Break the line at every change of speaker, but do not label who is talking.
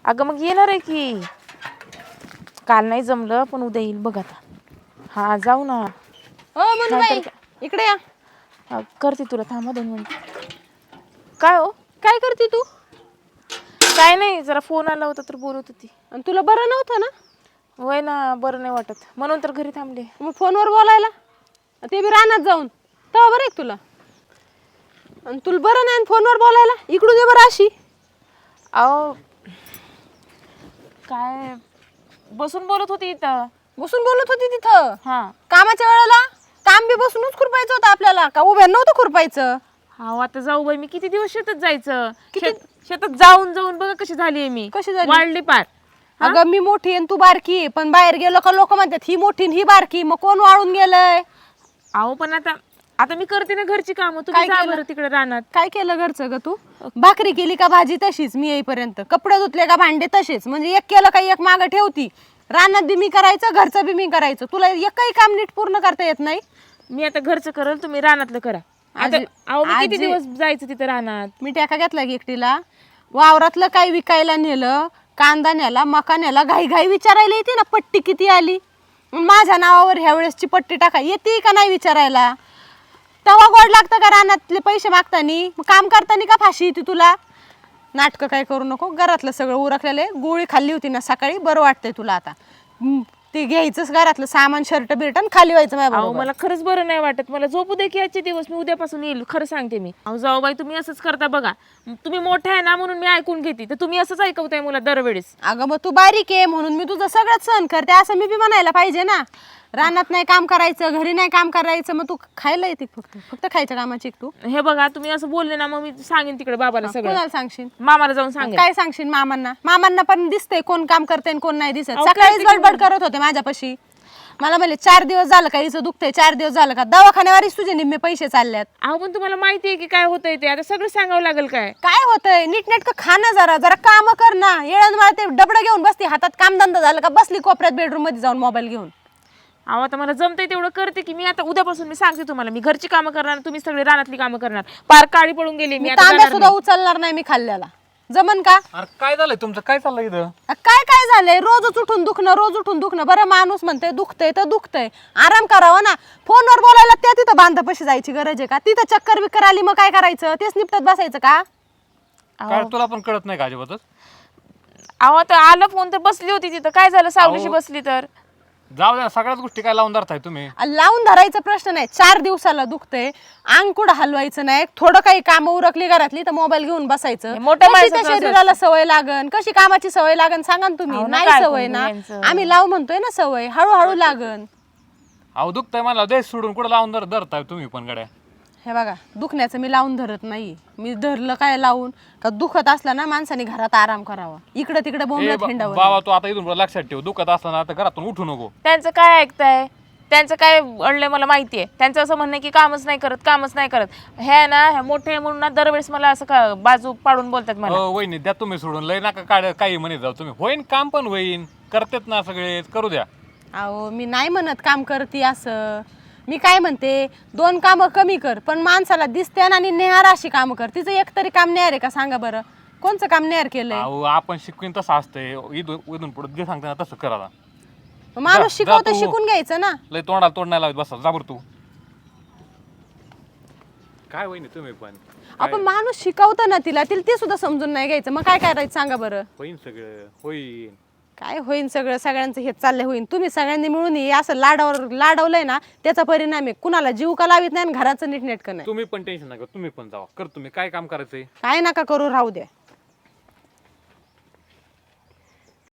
अगं मग येणार आहे की. काल नाही जमलं पण उद्या येईल बघ आता. हा जाऊ ना.
हो मनुबाई इकडे या.
करते तुला थांबा 2 मिनिट. काय हो
काय करते तू?
काय नाही जरा फोन आला होता तर बोलत होती.
आणि तुला बरं नव्हतं ना?
वय ना बरं नाही वाटत म्हणून तर घरी थांबले.
मग फोनवर बोलायला ते बी रानात जाऊन तेव्हा बरं आहे तुला. आणि तुला बरं नाही फोनवर बोलायला इकडून ये बरं अशी.
अहो काय बसून बोलत होती इथं.
बसून बोलत होती तिथं?
हा
कामाच्या वेळेला काम बी बसूनच खुरपायचं होतं आपल्याला का उभ्या नव्हतं खुरपायचं?
हा आता जाऊ बाई मी किती दिवस शेतात जायचं. शेतात जाऊन जाऊन बघा कशी झालीये मी.
कशी झाली?
वाढली पार.
अगं मी मोठी आणि तू बारकी आहे, पण बाहेर गेलो का लोक म्हणतात ही मोठी आणि ही बारकी, मग कोण वाळून गेलंय?
अहो पण आता आता मी करते ना घरची कामं. तुम्ही जा बरं तिकडे रानात.
काय केलं घरचं ग तू? भाकरी केली का भाजी तशीच मी येईपर्यंत, कपडे धुतले का भांडे तसेच, म्हणजे एक केलं का एक मागं ठेवती. रानात बी मी करायचं घरचं बी मी करायचं, तुला एकही काम नीट पूर्ण करता येत नाही.
मी आता घरचं करल तुम्ही रानातलं करा. आता अहो मी किती दिवस जायचं तिथे रानात.
मी टाका घेतला की एकटीला. वावरातलं काही विकायला नेलं, कांदा नेला मका नेला, घाई घाई विचारायला येते ना पट्टी किती आली. माझ्या नावावर ह्या वेळेसची पट्टी टाका येते का नाही विचारायला. तेव्हा गोड लागतं का रानातले पैसे मागतानी? काम करतानी का फाशी येते तुला? नाटकं काय करू नको. घरातलं सगळं उरकलेलं, गोळी खाल्ली होती ना सकाळी, बरं वाटतंय तुला आता. ते घ्यायचंच घरातलं सामान शर्ट बिर्ट खाली व्हायचं माझ्या
अहो मला खरंच बरं नाही वाटत. मला झोपू दे की आजचे दिवस. मी उद्यापासून येईल खरं सांगते मी. अहो जाऊ बाई तुम्ही असंच करता बघा. तुम्ही मोठे आहे ना म्हणून मी ऐकून घेते, तर तुम्ही असंच ऐकवताय मला दरवेळेस.
अगं मग तू बारीक आहे म्हणून मी तुझं सगळंच सहन करते असं मी बी म्हणायला पाहिजे ना. रानात नाही काम करायचं, घरी नाही काम करायचं, मग तू खायला येते फक्त फक्त खायच्या कामाची तू.
हे बघा तुम्ही असं बोलले ना मग मी सांगेन तिकडे बाबाला सगळं.
कोणाला सांगशील?
मामाला जाऊन सांगेन.
काय सांगशील मामांना? मामांना पण दिसतंय कोण काम करते आणि कोण नाही दिसत. सकाळीच गडबड करत होते माझ्यापाशी. मला म्हणले 4 दिवस झालं का हिचं दुखतंय, 4 दिवस झालं का दवाखान्यावरच तुझे निम्मे पैसे चालल्यात.
अहो पण तुम्हाला माहिती आहे की काय होतंय ते. आता सगळं सांगावं लागेल काय.
काय होतंय? नीटनेटकं खाणं जरा जरा काम कर ना. येळण मला ते डबडं घेऊन बसते हातात, कामधंदा झालं का बसली कोपऱ्यात बेडरूम मध्ये जाऊन मोबाईल घेऊन.
अहो आता मला जमतंय तेवढं करते की मी. आता उद्यापासून मी सांगते तुम्हाला, मी घरची कामं करणार, तुम्ही सगळे रानातली कामं करणार. पार काळी पडून गेली मी. आता
तांब्या सुद्धा उचलणार नाही मी खाल्ल्याला. जमन का?
अरे काय झालंय तुमचं? काय चाललंय इथं?
काय काय झालंय? रोजच उठून दुखणं, रोज उठून दुखणं. बरं माणूस म्हणतंय दुखतंय तर दुखतंय, आराम करावा ना. फोनवर बोलायला त्या तिथं बांधापाशी जायची गरज आहे का? तिथं चक्कर बिक्कर आली मग काय करायचं? तेच निपटत बसायचं का?
काय तुला पण कळत नाही का अजिबातच?
अहो आता आलं फोन तर बसली होती तिथं. काय झालं सावलीशी बसली तर?
जाऊ द्या, सगळ्याच गोष्टी काय लावून धरताय तुम्ही?
लावून धरायचा प्रश्न नाही. 4 दिवसाला दुखतंय, अंग कुठं हलवायचं नाही. थोडं काही काम उरकली घरातली तर मोबाईल घेऊन बसायचं.
मोठ्या
कशी त्या
माणसाचं
शरीराला सवय लागन, कशी कामाची सवय लागन सांगा ना तुम्ही.
अहो,
नाही
काय
सवय
करू
ना,
यांचं?
आम्ही लाव म्हणतोय ना सवय, हळूहळू लागन.
अहो दुखतंय मला देश सोडून कुठं लावून धरताय तुम्ही पण गड्या?
हे बघा दुखण्याचं मी लावून धरत नाही. मी धरलं काय लावून का? दुखत असलं ना माणसाने घरात आराम करावा, इकडे तिकडे बोंबलत हिंडावं.
बाबा तू आता इथून पुढं लक्षात ठेव, दुखत असताना आता घरातून उठू नको.
त्यांचं काय ऐकताय? त्यांचं काय अडलंय मला माहितीये. त्यांचं असं म्हणणं की कामच नाही करत, कामच नाही करत. हे ना हे मोठे म्हणून ना दरवेळेस मला असं का बाजू पाडून बोलतात मला.
वहिनी द्या तुम्ही सोडून, लय नका काढ काही म्हणत जाऊ तुम्ही. होईन काम पण होईन, करतेत ना सगळे, करू द्या.
अहो मी नाही म्हणत काम करते असं. मी काय म्हणते 2 कामं कमी कर, पण माणसाला दिसते आणि नेहार अशी कामं कर. तिचं एक तरी काम नेहार आहे का सांगा बरं? कोणचं काम नेहार केलंय?
अहो आपण शिकवीन तसं असतंय. इथून पुढे जे सांगता ना तसं करा.
माणूस शिकवतो शिकून घ्यायचं ना.
लय तोंडाला तोंड नाही लावत बसा जाबर तू. काय वहिनी तुम्ही पण?
आपण माणूस शिकवतो ना तिला ते सुद्धा समजून नाही घ्यायचं. मग काय करायचं सांगा बरं?
होईन सगळं होईन.
काय होईन सगळं? सगळ्यांचं हे चाललंय होईन. तुम्ही सगळ्यांनी मिळून हे असं लाडवलंय ना, त्याचा परिणाम आहे. कुणाला जीव का लावित नाही आणि घराचं नीटनेटकं नाही.
तुम्ही पण टेन्शन नका, तुम्ही पण जावा कर. तुम्ही काय काम करायचंय?
काय नका करू, राहू द्या.